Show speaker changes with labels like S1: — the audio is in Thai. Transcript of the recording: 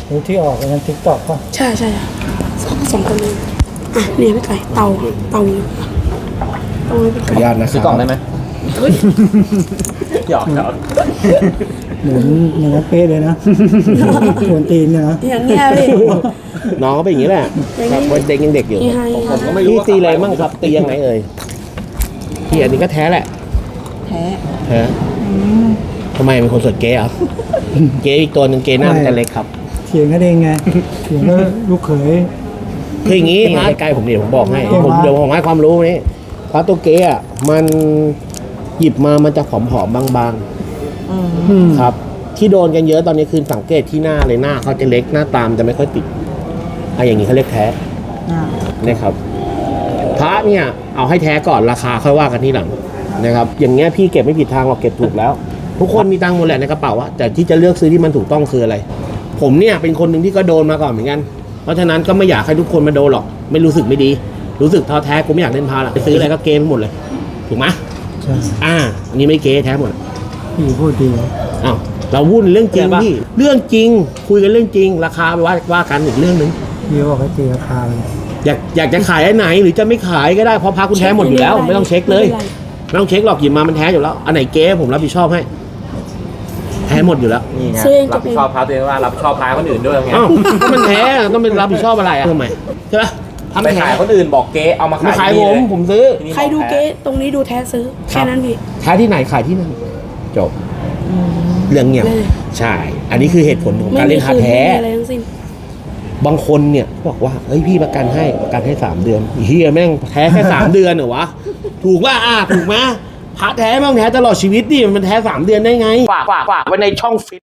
S1: รู้ที่ออกในทิกตอกป่ะ
S2: ใช่สองคนเลยอ่ะเนี่ยพี่ไก่เตาไม่เป็น
S3: ขออนุญาตนะค
S4: ซื้
S3: รั
S4: อกล่องได้ไหมหยอก
S1: เหมือนอย่างนั้นเป๊ะเลยนะชวนตีนเนี่ยนะ
S2: อย่างเงี้ยพี่
S3: น้องก็เป็นอย่างนี้แหละ
S2: อย่างนี้
S3: เด็กยังเด็กอยู่
S2: นี่ให้
S4: ผมก็ไม่รู้
S3: พี่
S4: ว่า
S3: ตีอะไรบ้างครับตียังไงเอ่ยพี่อันนี้ก็แท้แหละ
S2: แท้
S3: แท้ทำไมเป็นคนสดเก๊อ่ะเก๊อีกตัวหนึ่งเก๊หน้ามันจะเล็กครับ
S1: เถียงกันเองไงเถียงแล้วลูกเขย
S3: คืออย่างนี้ใกล้ๆผมเดี๋ยวผมบอกให้
S1: เก่งมาก
S3: เดี๋ยวผมให้ความรู้นี่เพราะตัวเก๊อ่ะมันหยิบมามันจะผอมๆบางๆครับ ที่โดนกันเยอะตอนนี้คือสังเกตที่หน้าเลยหน้าเขาจะเล็กหน้าตามจะไม่ค่อยติดอย่างนี้เขาเรียกแท้นะครับพระเนี่ยเอาให้แท้ก่อนราคาค่อยว่ากันที่หลังนะครับอย่างเงี้ยพี่เก็บไม่ผิดทางหรอกเก็บถูกแล้ว ทุกคนมีตังค์หมดแหละในกระเป๋าอะแต่ที่จะเลือกซื้อที่มันถูกต้องคืออะไร ผมเนี่ยเป็นคนหนึ่งที่ก็โดนมาก่อนเหมือนกันเพราะฉะนั้นก็ไม่อยากให้ทุกคนมาโดนหรอกไม่รู้สึกไม่ดี รู้สึกท้อแท้กูไม่อยากเล่นพาละไปซื้ออะไรก็เกมหมดเลยถูกไหม
S1: ใช่
S3: อันนี้ไม่เกแท้หมด
S1: พี่พูดดี
S3: อ้าวเราวุ่นเรื่องจริงพี่เรื่องจริงคุยกันเรื่องจริง ราคาไปว่ากันอีกเรื่องหนึ่ง
S1: พี่บอกให้ตีราคาเลย
S3: อยากจะขายอันไหนหรือจะไม่ขายก็ได้เพราะพาคุณแท้หมดอยู่แล้วไม่ต้องเช็คเลยไม่ต้องเช็คหรอกหยิบมามันแท้อยู่แล้วอันไหนเก๊ผมรับผิดชอบให้แท้หมดอยู่แล้ว
S4: นี่ไงรับผิดชอบพาตัวเองว่ารับผิดชอบพาคนอื่นด้วยไง
S3: อ้าวก็มันแท้ต้องเป็นรับผิดชอบอะไรทำไมใช่ไหม
S4: ไปขายคนอื่นบอกเก๊เอามา
S3: มา
S4: ขา
S3: ขาย ย
S4: ที่
S3: ผม
S4: เลย
S3: ผมซื้อ
S4: ที่นี่
S2: ใครดูเก๊ตรงนี้ดูแท้ซื้อแค่นั้นพี่
S3: แท้ที่ไหนขายที่นั่นจบเรื่องเงียบ
S2: เลย
S3: ใช่ อันนี้คือเหตุผลของการเล่นคา
S2: คืน
S3: แท้
S2: ไม่มีอะไรทั้งสิ้น
S3: บางคนเนี่ยบอกว่าเฮ้ยพี่ประกันให้3 เดือนเฮียแม่งแท้แค่ 3 เดือนเหรอวะถูกว่าถูกไหมพระแท้แม่งแท้ตลอดชีวิตดิมันแท้3 เดือนได้ไงฝากไว้ในช่องฟิต